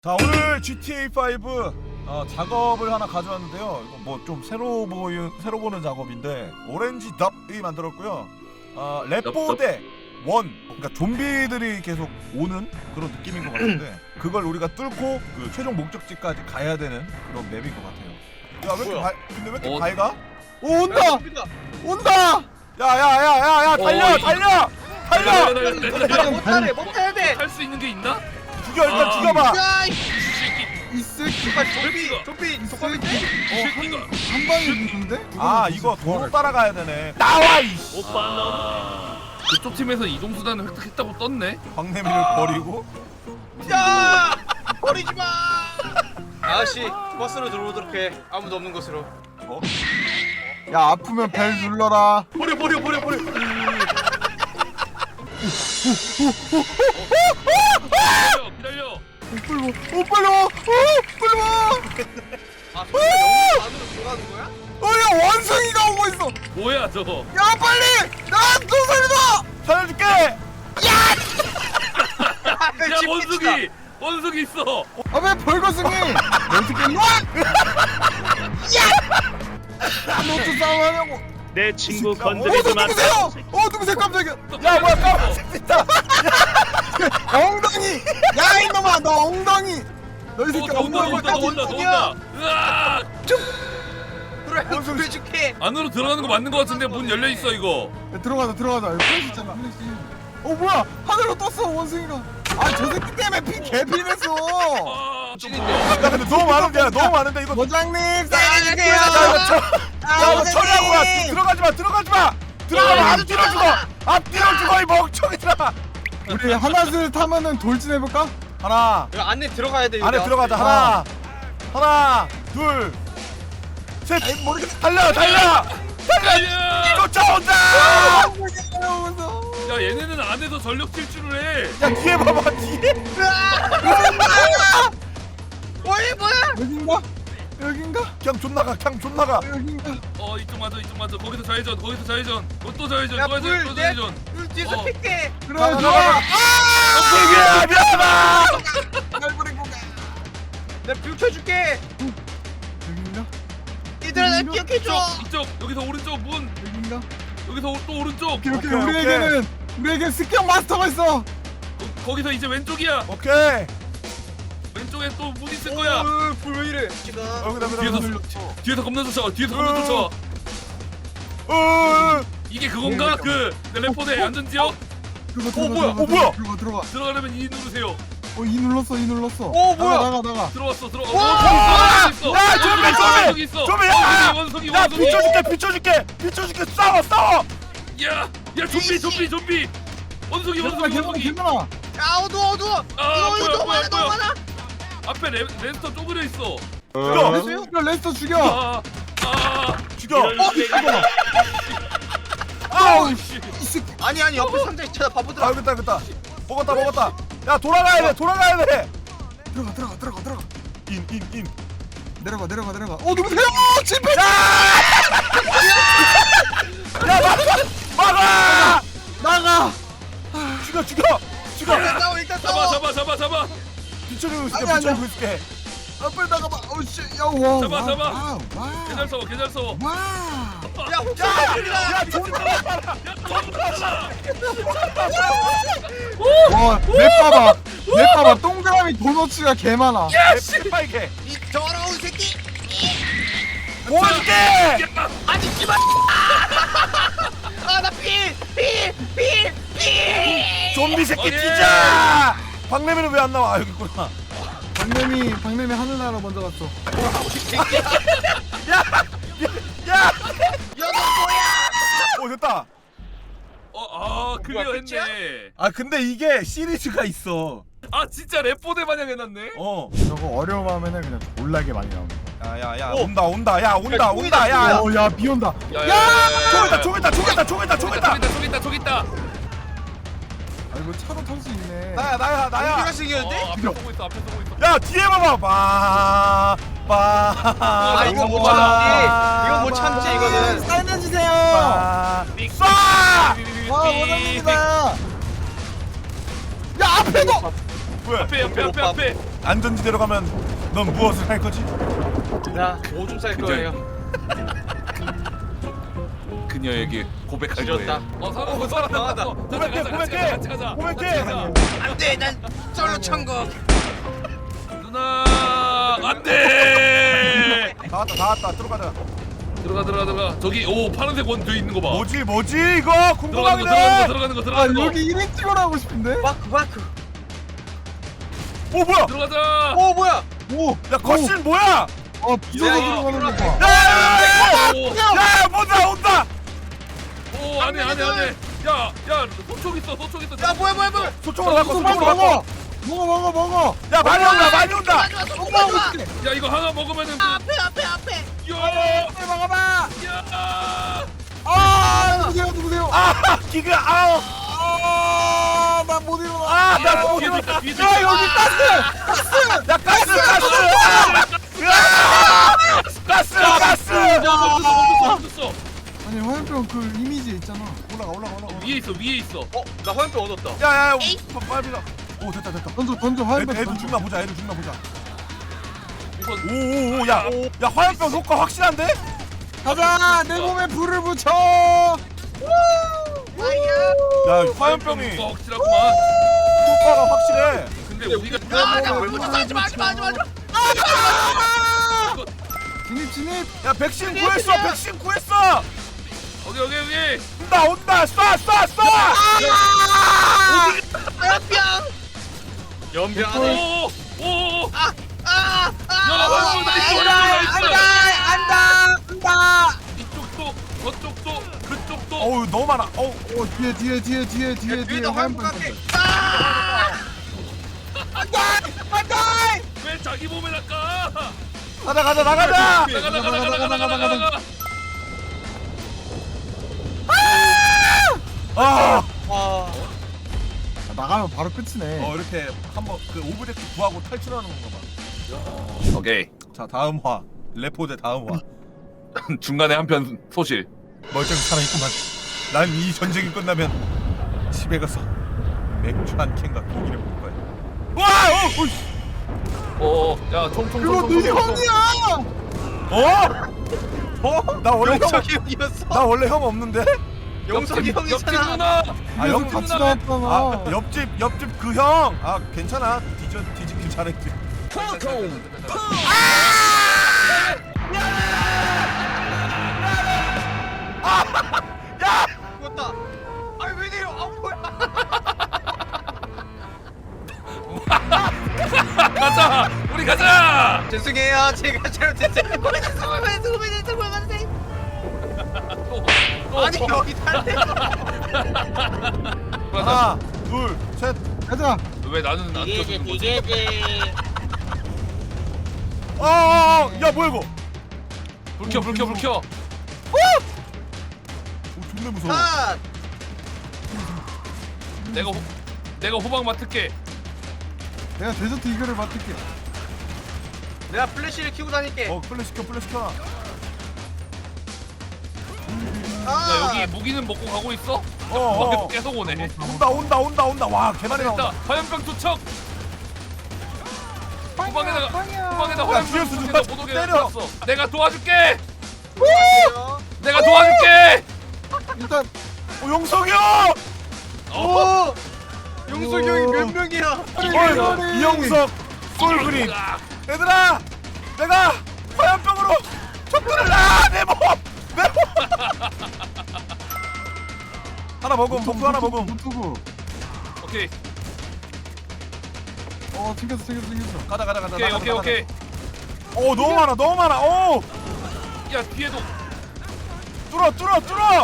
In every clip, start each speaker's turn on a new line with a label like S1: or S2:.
S1: 자, 오늘 GTA5 작업을 하나 가져왔는데요. 이거 뭐 좀 새로 보는 작업인데 오렌지 덥이 만들었고요. 랩보대 원, 그러니까 좀비들이 계속 오는 그런 느낌인 것 같은데 그걸 우리가 뚫고 그 최종 목적지까지 가야 되는 그런 맵인 것 같아요. 야, 왜 이렇게 근데 왜 이렇게 밝아?
S2: 오, 온다! 온다!
S1: 야야야야야 달려 달려 달려!
S3: 못 타야 돼.
S4: 할 수 있는 게 있나?
S1: 죽여 일단 죽여봐.
S3: 야,
S4: 이 새끼,
S2: 이 새끼
S3: 좀비 독감인데?
S4: 이 새끼가.
S2: 한 방에 죽는데?
S1: 아, 이거 도로 따라가야 되네. 나와 이씨.
S4: 오빠 그쪽 팀에서 이동 수단을 획득했다고 떴네.
S1: 광내미를 버리고.
S3: 야, 버리지 마. 아저씨, 버스로 들어오도록 해. 아무도 없는 곳으로.
S2: 야, 아프면 벨 눌러라.
S3: 버려.
S4: 기다려.
S2: 빨리 와! 빨리 와!
S3: 아, 정말 영웅 안으로 들어가는 거야?
S2: 야, 원숭이가 오고 있어!
S4: 뭐야 저거?
S2: 야, 빨리! 나 도살이다!
S1: 살려줄게.
S4: 야 원숭이 있어.
S2: 아, 왜 벌거숭이! 원숭이 일로 와! 야! 너도 싸움하냐고!
S5: 내 친구
S2: 너
S5: 건드리지 마.
S2: 누구세요? 누구세요, 깜짝이야!
S1: 야, 뭐야 까만색 있다.
S2: 엉덩이! 야, 이놈아, 너 엉덩이! 너 이 새끼
S4: 온다.
S2: 엉덩이
S4: 으아!
S3: 그래, 구해줄게.
S4: 안으로 들어가는 거 맞는 거 같은데 문 열려 있어 이거.
S2: 야, 들어가자. 여기 플래시 있잖아, 플래시. 뭐야! 하늘로 떴어, 원숭이가! 아, 저 새끼 때문에 피 개피냈어!
S1: 야, 근데 너무 많은데 이거.
S2: 모장님,
S1: 야,
S2: 사인해주세요!
S1: 이거 처리하고 와. 들어가지 마. 들어가면 앞뒤로 죽어 이 멍청이들아.
S2: 우리 하나씩 타면은 돌진해볼까?
S1: 하나,
S3: 이거 안에 들어가야 돼.
S1: 안에 들어가자. 하나, 둘, 셋. 달려. 쫓아온다.
S4: 야 얘네는 안에서 전력 질주를 해.
S1: 야, 뒤에 봐봐 뒤에.
S3: 뭐야?
S2: 여긴가?
S1: 그냥 존나가.
S2: 여긴가?
S4: 이쪽 맞아. 거기서 좌회전. 또 좌회전.
S3: 야,
S4: 또
S3: 불,
S4: 좌회전.
S3: 물 뒤에서
S4: 어.
S3: 픽게.
S2: 그래,
S1: 자,
S2: 좋아!
S1: 엉덩이야, 미안하다.
S2: 날 버리고 가!
S3: 내가 불 켜줄게.
S2: 여긴가?
S3: 얘들아, 날 기억해줘.
S4: 이쪽 여기서 오른쪽 문.
S2: 여긴가?
S4: 여기서 또 오른쪽.
S2: 오케이,
S1: 오케이.
S2: 우리에겐 습격 마스터가 있어!
S4: 거기서 이제 왼쪽이야.
S1: 오케이.
S4: 왼쪽에 또 문 있을 거야.
S3: 불왜 이래? 지금.
S4: 뒤에서 겁나 쫓아와. 이게 그건가? 그 텔레포대 안전지역?
S1: 뭐야?
S2: 들어가.
S4: 들어가려면 이 누르세요.
S2: 이 눌렀어.
S3: 오, 뭐야?
S2: 나가.
S4: 들어왔어.
S1: 와!
S4: 있어.
S1: 야,
S4: 저기 있어.
S1: 좀비, 야!
S4: 원숭이.
S1: 야, 비춰줄게. 싸워.
S4: 야, 좀비. 원숭이.
S2: 괜찮아.
S3: 야, 어두워. 이거 너무 많아.
S4: 앞에 레스터 쪼그려 있어.
S1: 죽여.
S2: 레스터 죽여.
S1: 죽여.
S2: 아우,
S4: 씨.
S2: 이 새끼.
S3: 아니, 옆에 상자 있잖아, 바보들아.
S1: 알겠다. 먹었다. 야, 돌아가야 돼.
S2: 들어가.
S1: 인.
S2: 내려가. 누구세요? 집회!
S1: 야, 막아!
S2: 나가.
S1: 죽여.
S3: 일단 싸워.
S4: 잡아.
S1: 비춰주고
S2: 아니야.
S1: 있을게.
S2: 빨리 나가봐. 씨, 야, 와.
S4: 잡아.
S2: 와.
S4: 개잘 싸워.
S2: 와.
S3: 야, 혹시
S1: 야, 존나
S2: 와, 맵 봐봐. 동그라미 도너츠가 개 많아.
S1: 빨개.
S3: 이 더러운 새끼.
S1: 보여줄게.
S3: 아니, 씨발. 나 피.
S1: 좀비 새끼
S4: 오케이.
S1: 뛰자. 박래미는 왜 안 나와? 여기 있구나.
S2: 박래미 하늘나라 먼저 갔어.
S1: 야.
S3: 너 뭐야?
S1: 됐다.
S4: 클리어
S3: 끝이야?
S4: 했네.
S1: 근데 이게 시리즈가 있어.
S4: 진짜 랩포대 마냥 해놨네.
S2: 저거 어려워하면은 그냥 졸라게 많이 나온다.
S1: 야,
S3: 오.
S1: 온다. 야.
S2: 야, 비 온다.
S4: 저기 있다.
S2: 아, 이거 차로 탈 수 있네.
S1: 나야.
S3: 우리가 생겼는데?
S4: 앞에 보고 있어.
S1: 야, 뒤에 봐봐.
S3: 아, 이거 못 참지. 이거 못 참지, 이거는.
S2: 사인해주세요.
S1: 쏴!
S2: 와, 원합니다. 야, 앞에도.
S1: 왜?
S4: 앞에.
S1: 안전지대로 가면 넌 무엇을 할 거지?
S3: 나 오줌 쌀 거예요.
S4: 그녀에게 고백할
S3: 지렸다.
S4: 거예요. 살았다.
S1: 고백해, 고백해!
S4: 같이 가자.
S1: 고백해!
S3: 안돼, 난 솔로 천국.
S4: 누나 안돼.
S1: 다 왔다 들어가자.
S4: 들어가. 저기 오 파란색 원 돼 있는 거 봐.
S1: 뭐지 이거
S4: 들어가는
S1: 궁금하네.
S4: 거.
S2: 아 여기 1인 찍어라 하고 싶은데?
S3: 마크.
S1: 오 뭐야?
S4: 들어가자.
S3: 오 뭐야?
S2: 오!
S1: 야 거신 뭐야?
S2: 비서가
S3: 야,
S2: 들어가는 거 봐.
S1: 야 온다.
S4: 오 안해. 야 소총 있어.
S3: 야 뭐야?
S1: 소총으로 바꿔.
S2: 빨리 먹어!
S1: 야 많이 온다.
S4: 야 이거 하나 먹으면은
S3: 앞에.
S4: 야.
S2: 막아봐!
S4: 야.
S2: 누구세요?
S1: 아 기가 아우.
S2: 난못 일어나.
S1: 나못
S4: 뒤에
S1: 일어나.
S4: 있다, 뒤에
S2: 야
S4: 있다.
S2: 여기
S1: 야 가스. 가스.
S4: 멈췄어.
S2: 아니 화염병 그 이미지 있잖아.
S1: 올라가.
S4: 위에 있어.
S3: 나 화염병 얻었다.
S1: 야야 빨리 가. 오 됐다.
S2: 던져 화염병.
S1: 애들 죽나 보자.
S4: 우선
S1: 오오오 야 화염병 효과 확실한데?
S2: 가자! 내 몸에 불을 붙여!
S1: 야 화염병이
S4: 효과 확실하구만.
S1: 효과가 확실해.
S4: 근데 우리가
S3: 하지 마.
S2: 진입!
S1: 야 백신 구했어.
S4: 여기.
S1: 온다. 쏴.
S3: 연병.
S4: 오.
S3: 야,
S2: 안다!
S4: 이쪽도 저쪽도 그쪽도.
S1: 어우 너무 많아. 어우
S2: 뒤에 화염병
S3: 갈게.
S4: 왜 자기 몸에 낚아?
S1: 가자.
S4: 나가.
S1: 아
S2: 나가면 바로 끝이네.
S1: 이렇게 한번 그 오브젝트 구하고 탈출하는 건가 봐.
S4: 오케이.
S1: 자 다음 화 레포대 다음 화.
S4: 중간에 한편 소실.
S1: 멀쩡히 살아있구만. 난 이 전쟁이 끝나면 집에 가서 맥주 한 캔과 고기를 먹을 거야. 와!
S4: 야, 총.
S2: 그거 네 형이야!
S1: 나 원래
S3: 용석이 형이었어.
S1: 나 원래 형 없는데?
S3: 용석이
S4: 옆집
S3: 형이잖아.
S4: 누나.
S1: 형
S2: 같이
S4: 누나.
S2: 나왔잖아.
S1: 옆집 그 형. 괜찮아. 뒤집기 잘했지.
S3: 죽었다. 아니 왜 내려? 뭐야?
S4: 가자. 우리 가자.
S3: 죄송해요. 제가 잘못했어요. 아니 여기 탈래.
S1: 하나, 둘, 셋.
S2: 가자!
S4: 왜 나는 안 껴주는 거지?
S1: 야 뭐야 이거?
S4: 불 켜.
S1: 오, 존나 무서워.
S3: 아,
S4: 내가 호박 맡을게.
S2: 내가 데저트 이거를 맡을게.
S3: 내가 플래시를 켜고 다닐게.
S1: 플래시 켜.
S4: 야, 여기 무기는 먹고 가고 있어? 계속 오네.
S1: 온다. 와, 개많이
S4: 됐다.
S1: 나온다.
S4: 화염병 투척. 후방에다
S1: 야,
S4: 화염병
S1: 뒤에서
S4: 투척해서
S1: 누가
S4: 못 오게
S1: 때려.
S4: 해놨어. 내가 도와줄게. 내가 도와줄게.
S2: 일단
S1: 용석이 형!
S3: 오! 용석이 형이 몇 명이야?
S1: 이영석 솔그린. 얘들아, 내가 화염병으로 촛불을 내 몸. 하나 먹음, 복부 하나 먹음.
S2: 노트북.
S4: 오케이.
S2: 챙겼어.
S1: 가자.
S4: 오케이.
S1: 오, 너무 많아. 오,
S4: 야, 뒤에도.
S1: 뚫어.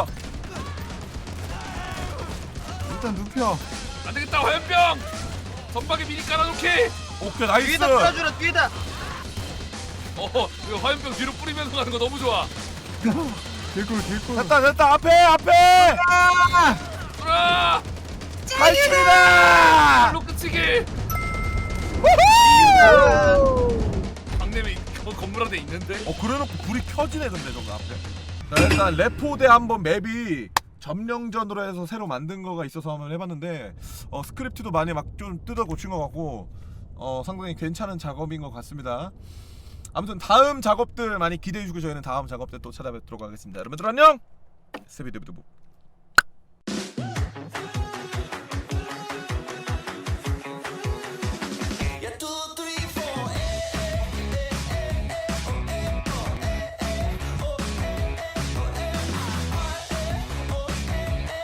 S2: 일단 눕혀.
S4: 안 되겠다. 화염병. 전방에 미리 깔아놓게.
S1: 오케이, 나이스.
S3: 뒤에다 뿌려주라 뒤에다.
S4: 이거 화염병 뒤로 뿌리면서 가는 거 너무 좋아.
S2: 개꿀.
S1: 됐다. 앞에.
S4: 뚫어.
S1: 탈출이다.
S4: 일로 끝이기. 박내미 건물 안에 있는데.
S1: 그래놓고 불이 켜지네 근데 저거 앞에. 자, 일단 레포대 한번 맵이 점령전으로 해서 새로 만든 거가 있어서 한번 해봤는데 스크립트도 많이 막 좀 뜯어 고친 것 같고 상당히 괜찮은 작업인 것 같습니다. 아무튼 다음 작업들 많이 기대해주고 저희는 다음 작업 때 또 찾아뵙도록 하겠습니다. 여러분들 안녕. 스비드비드부.